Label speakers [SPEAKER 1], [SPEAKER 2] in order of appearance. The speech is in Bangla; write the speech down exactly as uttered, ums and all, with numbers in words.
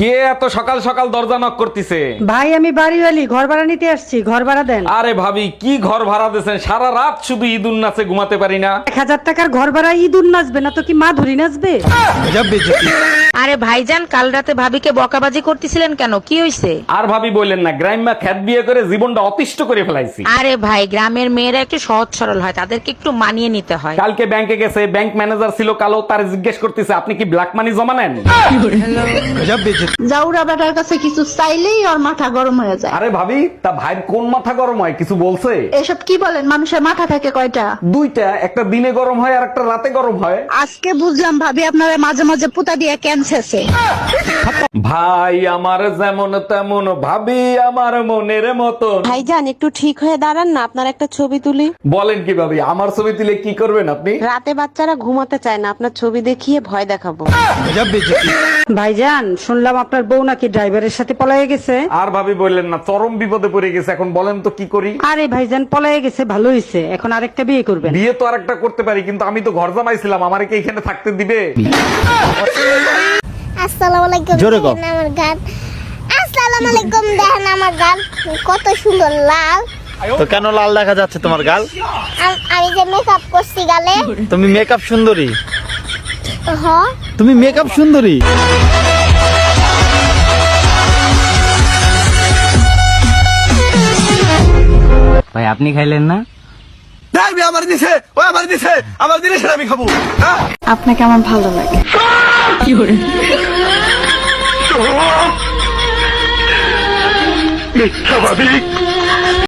[SPEAKER 1] কে এত সকাল সকাল দরজা নক করতেছে?
[SPEAKER 2] ভাই আমি বাড়িওয়ালি, ঘর ভাড়া নিতে আসছি, ঘর ভাড়া দেন।
[SPEAKER 1] আরে ভাবি, কি ঘর ভাড়া দিয়েছেন? সারা রাত শুধু ঈদুন নাচে ঘুমাতে পারি না।
[SPEAKER 2] এক হাজার টাকার ঘর ভাড়া ইঁদুর নাচবে না তো কি মা ধরি নাচবে?
[SPEAKER 3] আরে ভাইজান, কাল রাতে ভাবিকে বকাবাজি করতেছিলেন কেন? কি হইছে?
[SPEAKER 1] আর ভাবি বললেন না, গ্রাম্যা খ্যাত বিয়ে করে জীবনটা অতিষ্ঠ করে ফেলাইছি।
[SPEAKER 3] আরে ভাই, গ্রামের মেয়েরা একটু সহজ সরল হয়, তাদেরকে একটু মানিয়ে নিতে হয়।
[SPEAKER 1] কালকে ব্যাংকে গেছে, ব্যাংক ম্যানেজার ছিল কালো, তার জিজ্ঞেস করতেছে আপনি কি ব্ল্যাক মানি জমা নেন?
[SPEAKER 4] জাউরা বেটার কাছে কিছু চাইলেই ওর মাথা গরম হয়ে যায়।
[SPEAKER 1] আরে ভাবি, তা ভাইয়ের কোন মাথা গরম হয় কিছু বলছে?
[SPEAKER 4] এসব কি বলেন, মানুষের মাথা থাকে কয়টা?
[SPEAKER 1] দুইটা, একটা দিনে গরম হয় আর একটা রাতে গরম হয়।
[SPEAKER 4] আজকে বুঝলাম ভাবি আপনারা মাঝে মাঝে পুতা দিয়ে ক্যান্সেছে।
[SPEAKER 1] ভাই আমার যেমন তেমন, ভাবি আমার মনের মতন।
[SPEAKER 5] ভাইজান একটু ঠিক হয়ে দাঁড়ান না, আপনার একটা ছবি তুলি।
[SPEAKER 1] বলেন কি ভাবি, আমার ছবি তুলে কি করবেন আপনি?
[SPEAKER 5] রাতে বাচ্চারা ঘুমাতে চায় না, আপনার ছবি দেখিয়ে ভয় দেখাবো।
[SPEAKER 2] ভাইজান শুনলাম আপনার বউ নাকি ড্রাইভারের সাথে পলায়ে গেছে।
[SPEAKER 1] আর ভাবি বললেন না, চরম বিপদে পড়ে গেছে। এখন বলেন তো কি করি?
[SPEAKER 2] আরে ভাইজান পলায়ে গেছে ভালো হয়েছে, এখন আরেকটা বিয়ে করবেন।
[SPEAKER 1] বিয়ে তো আরেকটা করতে পারি, কিন্তু আমি তো ঘর জামাইছিলাম, আমারে কি এখানে থাকতে দিবে?
[SPEAKER 6] আসসালামু আলাইকুম। দেখেন আমার গান। আসসালামু আলাইকুম, দেখেন আমার গান কত সুন্দর লাল।
[SPEAKER 7] তো কেন লাল দেখা যাচ্ছে তোমার গাল?
[SPEAKER 6] আম- আমি যে মেকআপ করছি গালে।
[SPEAKER 7] তুমি মেকআপ সুন্দরী,
[SPEAKER 6] হ,
[SPEAKER 7] তুমি মেকআপ সুন্দরী।
[SPEAKER 8] ভাই আপনি খাইলেন না?
[SPEAKER 7] আমার দিছে, ও আমার দিছে, আমার দিলে সেটা আমি খাবো।
[SPEAKER 4] আপনাকে আমার ভালো লাগে।
[SPEAKER 7] মিথ্যাবাদী।